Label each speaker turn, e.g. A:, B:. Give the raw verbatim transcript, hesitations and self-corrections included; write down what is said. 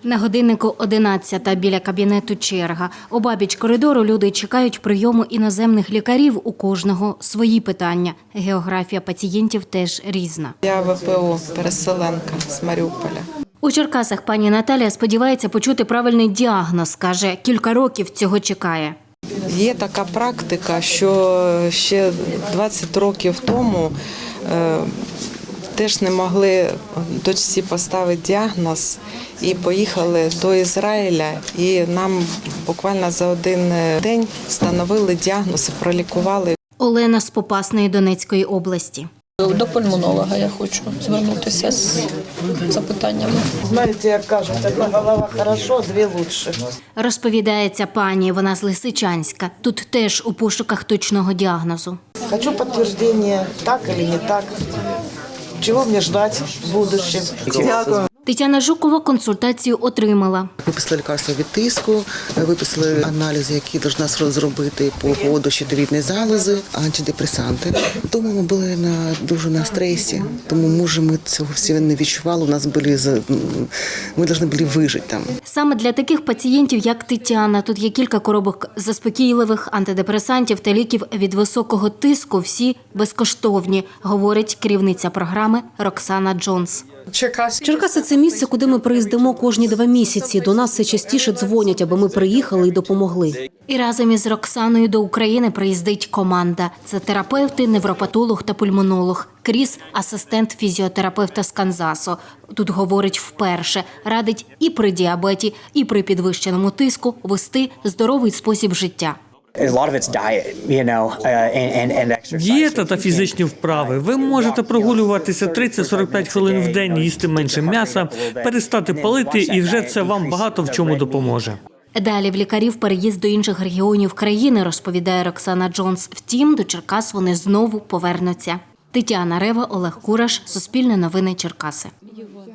A: На годиннику одинадцята, біля кабінету черга. Обабіч коридору люди чекають прийому іноземних лікарів, у кожного свої питання. Географія пацієнтів теж різна.
B: Я ВПО, переселенка з Маріуполя.
A: У Черкасах пані Наталія сподівається почути правильний діагноз. Каже, кілька років цього чекає.
B: Є така практика, що ще двадцять років тому е, теж не могли дочці поставити діагноз і поїхали до Ізраїля. І нам буквально за один день встановили діагноз і пролікували.
A: Олена з Попасної Донецької області.
C: До пульмонолога я хочу звернутися з запитаннями.
D: Знаєте, як кажуть, одна голова хорошо, дві лучше.
A: Розповідається пані, вона з Лисичанська. Тут теж у пошуках точного діагнозу.
D: Хочу підтвердження, так чи не так. Чого мені чекати в будущем? Дякую.
A: Тетяна Жукова консультацію отримала.
E: Виписали лікарство від тиску, виписали аналізи, які повинна зробити по поводу щитовідної залози, антидепресанти. Тому ми були на, дуже на стресі, тому може ми цього всього не відчували, у нас були, ми повинні були вижити там.
A: Саме для таких пацієнтів, як Тетяна, тут є кілька коробок заспокійливих, антидепресантів та ліків від високого тиску, всі безкоштовні, говорить керівниця програми Роксана Джонс.
F: Черкаси – це місце, куди ми приїздимо кожні два місяці. До нас все частіше дзвонять, аби ми приїхали і допомогли.
A: І разом із Роксаною до України приїздить команда. Це терапевти, невропатолог та пульмонолог. Кріс – асистент фізіотерапевта з Канзасу. Тут говорить вперше. Радить і при діабеті, і при підвищеному тиску вести здоровий спосіб життя.
G: Дієта та фізичні вправи. Ви можете прогулюватися тридцять-сорок п'ять хвилин в день, їсти менше м'яса, перестати палити, і вже це вам багато в чому допоможе.
A: Далі в лікарів переїзд до інших регіонів країни, розповідає Роксана Джонс. Втім, до Черкас вони знову повернуться. Тетяна Рева, Олег Кураш, Суспільне новини, Черкаси.